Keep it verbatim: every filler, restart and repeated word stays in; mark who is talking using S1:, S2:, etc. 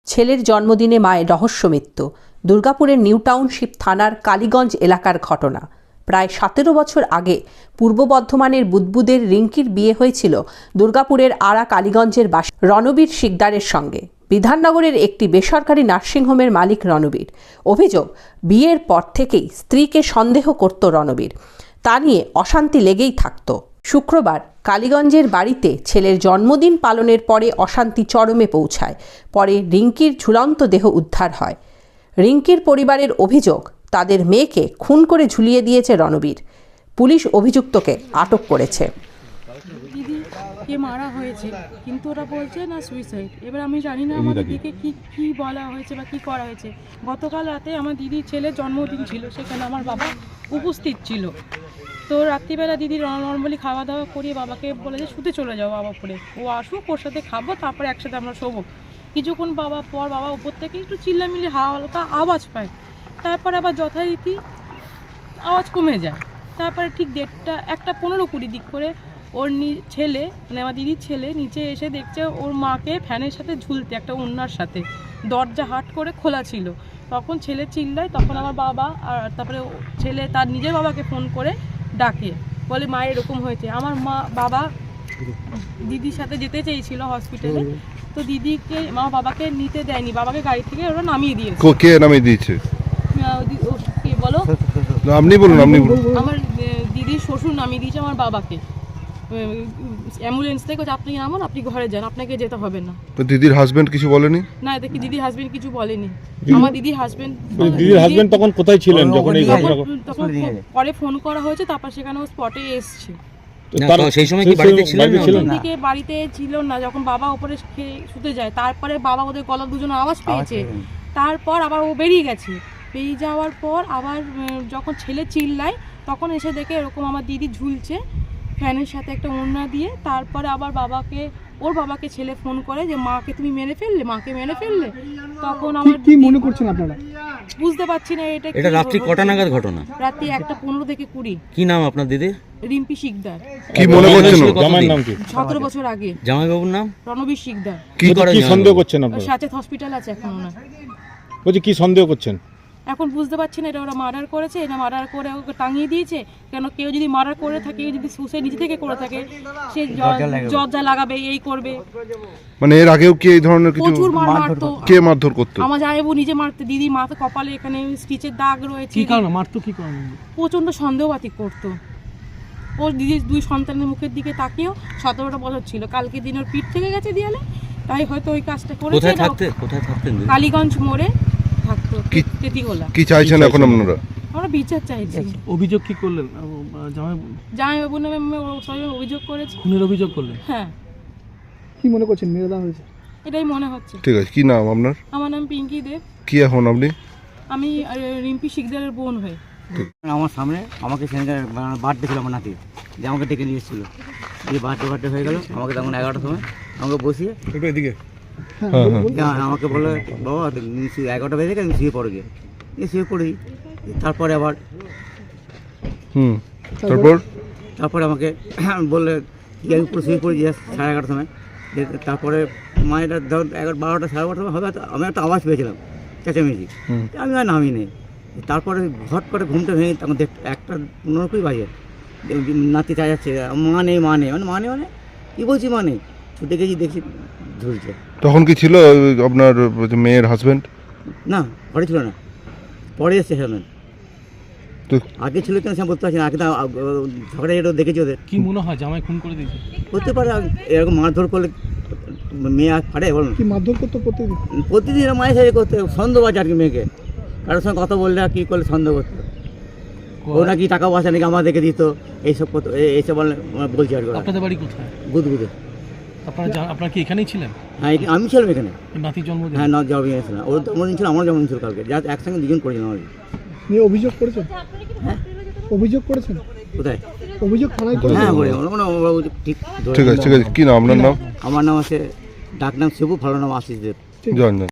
S1: ছেলের জন্মদিনে মায়ের রহস্য মৃত্যু। দুর্গাপুরের নিউ টাউনশিপ থানার কালীগঞ্জ এলাকার ঘটনা। প্রায় সতেরো বছর আগে পূর্ব বর্ধমানের বুদবুদের রিঙ্কির বিয়ে হয়েছিল দুর্গাপুরের আড়া কালীগঞ্জের বাসিন্দা রণবীর শিকদারের সঙ্গে। বিধাননগরের একটি বেসরকারি নার্সিংহোমের মালিক রণবীর। অভিযোগ, বিয়ের পর থেকেই স্ত্রীকে সন্দেহ করত রণবীর। তা নিয়ে অশান্তি লেগেই থাকত। শুক্রবার কালীগঞ্জের বাড়িতে ছেলের জন্মদিন পালনের পরে অশান্তি চরমে পৌঁছায়। পরে রিঙ্কির ঝুলন্ত দেহ উদ্ধার হয়। রিঙ্কির পরিবারের অভিযোগ, তাদের মেয়েকে খুন করে ঝুলিয়ে দিয়েছে রণবীর। পুলিশ অভিযুক্তকে আটক করেছে।
S2: দিদিকে মারা হয়েছে, কিন্তু ওরা বলছে না সুইসাইড। এবার আমি জানি না আমার দিদিকে কি কি বলা হয়েছে বা কি করা হয়েছে। গতকাল রাতে আমার দিদির ছেলের জন্মদিন ছিল, সেখানে আমার বাবা উপস্থিত ছিল। তো রাত্রিবেলা দিদি নর্মালি খাওয়া দাওয়া করিয়ে বাবাকে বলে যে শুতে চলে যাও বাবা পরে, ও আসুক, ওর সাথে খাবো, তারপরে একসাথে আমরা শোবো। কিছুক্ষণ বাবা পর বাবা উপর থেকে একটু চিল্লামিল্লি হালকা আওয়াজ পায়, তারপরে আবার যথারীতি আওয়াজ কমে যায়। তারপরে ঠিক দেড়টা একটা পনেরো কুড়ি দিক করে ওর ছেলে, মানে আমার দিদির ছেলে নিচে এসে দেখছে ওর মাকে ফ্যানের সাথে ঝুলতে, একটা ওড়নার সাথে। দরজা হাট করে খোলা ছিল। তখন ছেলে চিল্লায়, তখন আমার বাবা আর তারপরে ছেলে তার নিজের বাবাকে ফোন করে ডাকে, বলে মা এরকম হয়েছে। আমার মা বাবা দিদির সাথে যেতে চেয়েছিল হসপিটালে, তো দিদিকে মা বাবাকে নিতে দেয়নি, বাবাকে গাড়ি থেকে ওরা নামিয়ে দিয়েছে।
S3: কে নামিয়ে দিয়েছে?
S2: কে বলো?
S3: আপনি বলুন। আপনি বলুন।
S2: আমার দিদির শ্বশুর নামিয়ে দিয়েছে আমার বাবাকে অ্যাম্বুলেন্স থেকে। আপনি নামান, আপনি ঘরে যান, আপনাকে যেতে হবে না।
S3: তো দিদির হাজবেন্ড কিছু বলেনি?
S2: না, দেখি দিদির হাজবেন্ড কিছু বলেনি। আমার দিদির হাজবেন্ড
S4: দিদির হাজবেন্ড তখন কোথায় ছিলেন যখন এই ঘটনা?
S2: তখন পরে ফোন করা হয়েছে, তারপর সেখানে ও স্পটে এসছে।
S4: সেই সময় কি বাড়িতে ছিলেন না?
S2: দিকে বাড়িতে ছিল না, যখন বাবা উপরে শুতে যায়, তারপরে বাবা ওদের গলা দুজন আওয়াজ পেয়েছে, তারপর আবার ও বেরিয়ে গেছে। বেরিয়ে যাওয়ার পর আবার যখন ছেলে চিল্লায়, তখন এসে দেখে এরকম আমার দিদি ঝুলছে ফ্যানের সাথে একটা ওড়না দিয়ে। তারপরে আবার বাবাকে ওর বাবাকে ছেলে ফোন করে যে মাকে তুমি মেরে ফেললে, মাকে মেরে ফেললে। তখন আমার
S5: কি মনে করছেন আপনারা?
S2: বুঝতে পারছি না এটা
S6: এটা রাত্রি কটা নাগাদ ঘটনা?
S2: রাত্রি একটা পনেরো থেকে কুড়ি।
S6: কি নাম আপনার দিদি?
S2: রিম্পি শিকদার।
S3: কি মনে করছেন?
S4: জামাইয়ের নাম কি?
S2: সতেরো বছর আগে।
S6: জামাইবাবুর নাম
S2: রণবীর শিকদার।
S4: কি কি সন্দেহ করছেন আপনারা?
S2: সাচেত হসপিটাল আছে এখন না।
S4: বলছি কি সন্দেহ করছেন?
S2: এখন বুঝতে পারছি না এটা ওরা মার্ডার করেছে, এটা মার্ডার করে ওকে টাঙিয়ে দিয়েছে। কেন কেউ যদি মার্ডার করে থাকে, যদি সুসাইড নিজে থেকে করে থাকে, সে দরজা লাগাবে, এই করবে।
S3: মানে এর আগেও কি এই ধরনের কিছু?
S2: প্রচুর মার মারতো।
S3: কে মারধর করতো?
S2: আমার জামাইবাবু নিজে মারতে। দিদি মাথা কপালে এখানে স্টিচের দাগ রয়েছে।
S5: কি কারণে মারতো? কি কারণে?
S2: প্রচন্ড সন্দেহবাদী করতো। ওর দিদির দুই সন্তানের মুখের দিকে তাকিয়েও সতেরোটা বছর ছিল। কালকে দিন ওর পিঠ থেকে গেছে দেয়ালে, তাই হয়তো ওই কাজটা করেছে।
S6: কোথায় থাকতে কোথায় থাকতেন?
S2: কালীগঞ্জ মোড়ে থাকতো, তেতিগোলা।
S3: কি চাইছেন এখন আপনারা?
S2: আমরা বিচার চাইছি।
S5: অভিযোগ কি করলেন? জামাই
S2: জামাইবাবু নামে সবাই অভিযোগ করেছে।
S5: খুনের অভিযোগ করলেন?
S2: হ্যাঁ।
S5: কি মনে করছেন মেরে দেওয়া হয়েছে?
S2: এটাই মনে হচ্ছে।
S3: ঠিক আছে, কি নাম আপনার?
S2: আমার নাম পিঙ্কি দেব।
S3: কি এখন আপনি?
S2: আমি রিম্পি শিকদারের বোন হই।
S7: আমার সামনে আমাকে সেখানে বার্থডে ছিল আমার নাতির, যে আমাকে ডেকে নিয়ে এসেছিলো। দিয়ে বার্থডে বার্থডে হয়ে গেল, আমাকে তখন এগারোটার সময় আমাকে বসিয়ে
S3: এদিকে
S7: আমাকে বললো বাবা এগারোটা বেজে গেছে, শুয়ে পড়ে গিয়ে শুয়ে পড়ি। তারপরে আবার
S3: হুম তারপর
S7: তারপরে আমাকে বললে কি আমি পুরো শুয়ে পড়ি সাড়ে এগারোটার সময়। তারপরে মায়েরা ধর এগারো বারোটা সাড়ে বারোটার সময় হবে, আমি একটা আওয়াজ পেয়েছিলাম চেঁচামেচি, আমি আর নামি নেই। তারপরে হট করে ঘুমটা ভেঙে তখন দেখ একটা পনেরো কুড়ি বাজে, নাতি চা যাচ্ছে, মা নেই মা নেই মানে মা নেই মানে কী বলছি মা নেই। ছুটে গেছি, দেখছি ঝুলছে।
S3: তখন কি ছিল আপনার মেয়ের হাজবেন্ড?
S7: না, ঘরে ছিল না, পরে এসছে হাজবেন্ড। তো আগে ছিল কেন সে বলতে পারছি না। আগে তো ঝগড়া এটা দেখেছি ওদের।
S5: কি মনে হয় জামাই খুন করে দিয়েছে?
S7: করতে পারে, এরকম মারধর করলে মেয়ে আর পারে বলুন?
S5: কি মারধর করতো প্রতিদিন?
S7: প্রতিদিন মায়ের সাথে করতে সন্দেহবাজ আর কি। মেয়েকে কারোর সঙ্গে কথা বললে আর কী করলে সন্দেহ করতো। ও নাকি টাকা পয়সা নাকি আমার দেখে দিত, এইসব করতো, এইসব বলে বলছি আর কি।
S5: আপনাদের বাড়ি কোথায়?
S7: গুদগুদে।
S5: আপনারা আপনারা কি এখানেই ছিলেন?
S7: হ্যাঁ, আমি ছিলাম এখানে।
S5: নাতির জন্মদিন?
S7: হ্যাঁ, না জন্মদিন ছিল। ওর জন্মদিন ছিল, আমার জন্মদিন ছিল কালকে। যা একসঙ্গে দুজন করেছিলাম আর কি।
S5: নিয়ে অভিযোগ করেছেন? হ্যাঁ, অভিযোগ করেছেন?
S7: কোথায়
S5: অভিযোগ? থানায় করেছেন?
S7: হ্যাঁ, বলে ঠিক
S3: ঠিক আছে। ঠিক আছে, কি নাম আপনার? নাম?
S7: আমার নাম আছে, ডাক নাম শিবু, ভালো নাম আশিস দেব।
S3: জয়